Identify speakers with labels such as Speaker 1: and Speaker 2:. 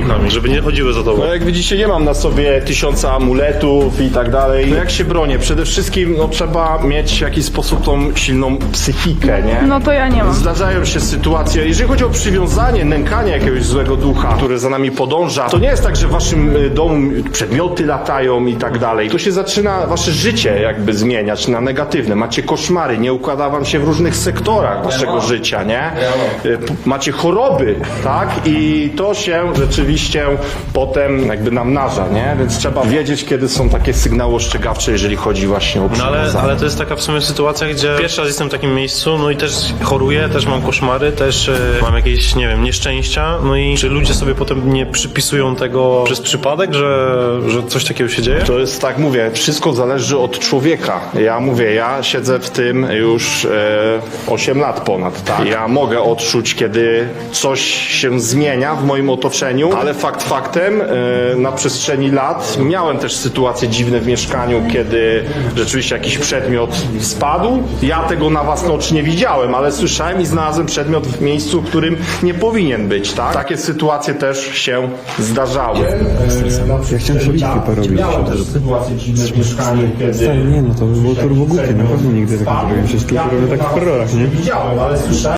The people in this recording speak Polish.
Speaker 1: duchami, żeby nie chodziły za tobą.
Speaker 2: No jak widzicie, nie mam na sobie 1000 amuletów i tak dalej. No jak się bronię? Przede wszystkim no, trzeba mieć w jakiś sposób tą silną psychikę, nie?
Speaker 3: No to ja nie mam.
Speaker 2: Zdarzają się sytuacje, jeżeli chodzi o przywiązanie, nękanie jakiegoś złego ducha, który za nami podąża, to nie jest tak, że w waszym domu przedmioty latają i tak dalej. To się zaczyna wasze życie jakby zmieniać na negatywne. Macie koszmary, nie układa wam się w różnych sektorach waszego życia, nie? Macie choroby, tak? I to się rzeczywiście potem jakby namnaża, nie? Więc trzeba wiedzieć, kiedy są takie sygnały ostrzegawcze, jeżeli chodzi właśnie o
Speaker 1: No
Speaker 2: przywiązanie.
Speaker 1: ale to jest taka w sumie sytuacja, gdzie pierwszy raz jestem w takim miejscu, no i też choruję, też mam koszmary, też mam jakieś, nie wiem, nieszczęścia, no i czy ludzie sobie potem nie przypisują tego przez przypadek, że coś takiego się dzieje?
Speaker 2: To jest tak, mówię, wszystko zależy od człowieka. Ja mówię, ja siedzę w tym już 8 lat ponad, tak? Ja mogę odczuć, kiedy coś się zmienia w moim otoczeniu, ale fakt faktem, na przestrzeni lat miałem też sytuacje dziwne w mieszkaniu, kiedy rzeczywiście jakiś przedmiot spadł. Ja tego na własne oczy nie widziałem, ale słyszałem i znalazłem przedmiot w miejscu, w którym nie powinien być, tak? Takie sytuacje też się zdarzały.
Speaker 4: Ja chciałem sobie bitwy porobić.
Speaker 2: Miałem też sytuacje dziwne w mieszkaniu, kiedy...
Speaker 4: Stary, nie no, to by było turbo głupie, na pewno nigdy tak nie zrobiłem. Wszystkie robię tak w horrorach, nie?
Speaker 2: Widziałem, ale słyszałem.